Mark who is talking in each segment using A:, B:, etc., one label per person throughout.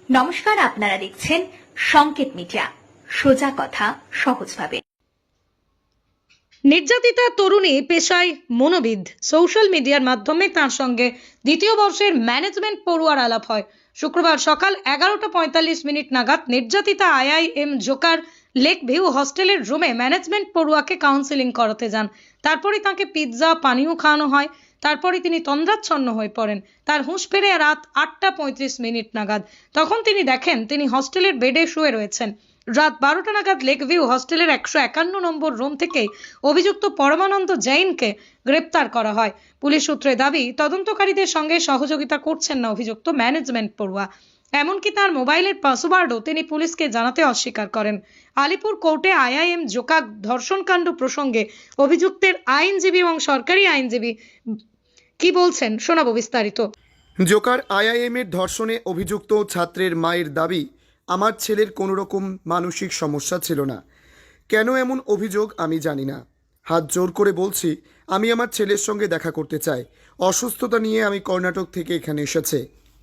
A: নমস্কার, আপনারা দেখছেন সংকেত মিডিয়া, সোজা কথা সহজভাবে।
B: নির্যাতিতা তরুণী পেশায় মনোবিদ। সোশ্যাল মিডিয়ার মাধ্যমে তার সঙ্গে দ্বিতীয় বর্ষের ম্যানেজমেন্ট পড়ুয়ার আলাপ হয়। শুক্রবার সকাল 11:45 নাগাদ নির্যাতিতা IIM জোকার লেক ভিউ হস্টেলের রুমে ম্যানেজমেন্ট পড়ুয়াকে কাউন্সেলিং করাতে যান। তারপরে তাকে পিৎজা পানীয় খাওয়ানো হয়। তারপরে তিনি তন্দ্রাচ্ছন্ন হয়ে পড়েন। তার হুঁশ ফেরে রাত 8:35 নাগাদ। তখন তিনি দেখেন তিনি হস্টেলের বেডে শুয়ে রয়েছেন। রাত 12টা নাগাদ লেক ভিউ হস্টেলের 151 নম্বর রুম থেকে অভিযুক্ত পরমানন্দ জৈনকে গ্রেপ্তার করা হয়। পুলিশ সূত্রে দাবি, তদন্তকারীদের সঙ্গে সহযোগিতা করছেন না অভিযুক্ত ম্যানেজমেন্ট পড়ুয়া। এমনকি তার মোবাইলের পাসওয়ার্ডও তিনি পুলিশকে জানাতে অস্বীকার করেন। আলিপুর কোর্টে IIM জোকা ধর্ষণকাণ্ড প্রসঙ্গে অভিযুক্তের আইনজীবী এবং সরকারি আইনজীবী কি বলছেন শোনাবো বিস্তারিত।
C: জোকার IIM এর ধর্ষণে অভিযুক্ত ছাত্রের মায়ের দাবি, আমার ছেলের কোনো রকম মানসিক সমস্যা ছিল না। কেন এমন অভিযোগ আমি জানি না। হাত জোর করে বলছি, আমি আমার ছেলের সঙ্গে দেখা করতে চাই। অসুস্থতা নিয়ে আমি কর্ণাটক থেকে এখানে এসেছে।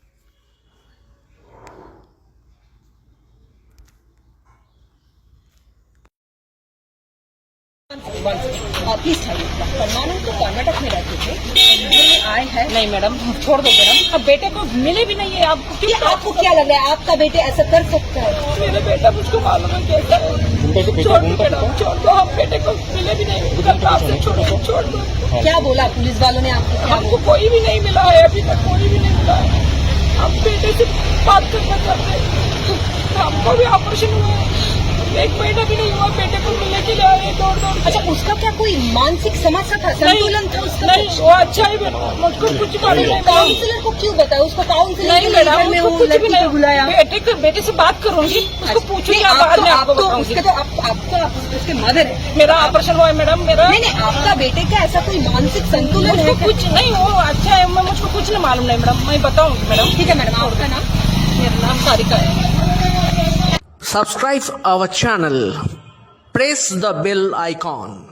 D: प्लीज परमानंद तो कर्नाटक में रहते थे, आए हैं। नहीं मैडम, छोड़ दो मैडम, अब बेटे को मिले भी नहीं है। आपको क्या लग रहा है आपका बेटे ऐसा कर सकता है? मेरा बेटा मुझको मालूम है कैसा है। छोड़ दो मैडम, छोड़ दो, हम बेटे को मिले भी नहीं। छोड़ दो। क्या बोला पुलिस वालों ने आपको? हमको कोई भी नहीं मिला है, अभी तक कोई भी नहीं मिला है। हम बेटे से बात करना चाहते हैं। हमको भी ऑपरेशन हुआ है, 1 महीना भी नहीं हुआ, बेटे को मिलने के लिए आए दौड़। अच्छा, उसका क्या कोई मानसिक समस्या था, संतुलन था उसका? नहीं, वो अच्छा ही मुझको कुछ मालूम नहीं। काउंसलर को क्यों बताया? उसको काउंसलर नहीं मैडम, लड़की को बुलाया। बेटे से बात करूंगी, उसको पूछूंगी। आपको उसके मदर है। मेरा ऑपरेशन हुआ है मैडम, मेरा नहीं, आपका बेटे का ऐसा कोई मानसिक संतुलन है? कुछ नहीं, वो अच्छा है, मुझको कुछ नहीं मालूम नहीं मैडम, मैं बताऊंगी मैडम। ठीक है मैडम, आपका नाम? मेरा नाम सारिका है।
E: Subscribe our channel. Press the bell icon.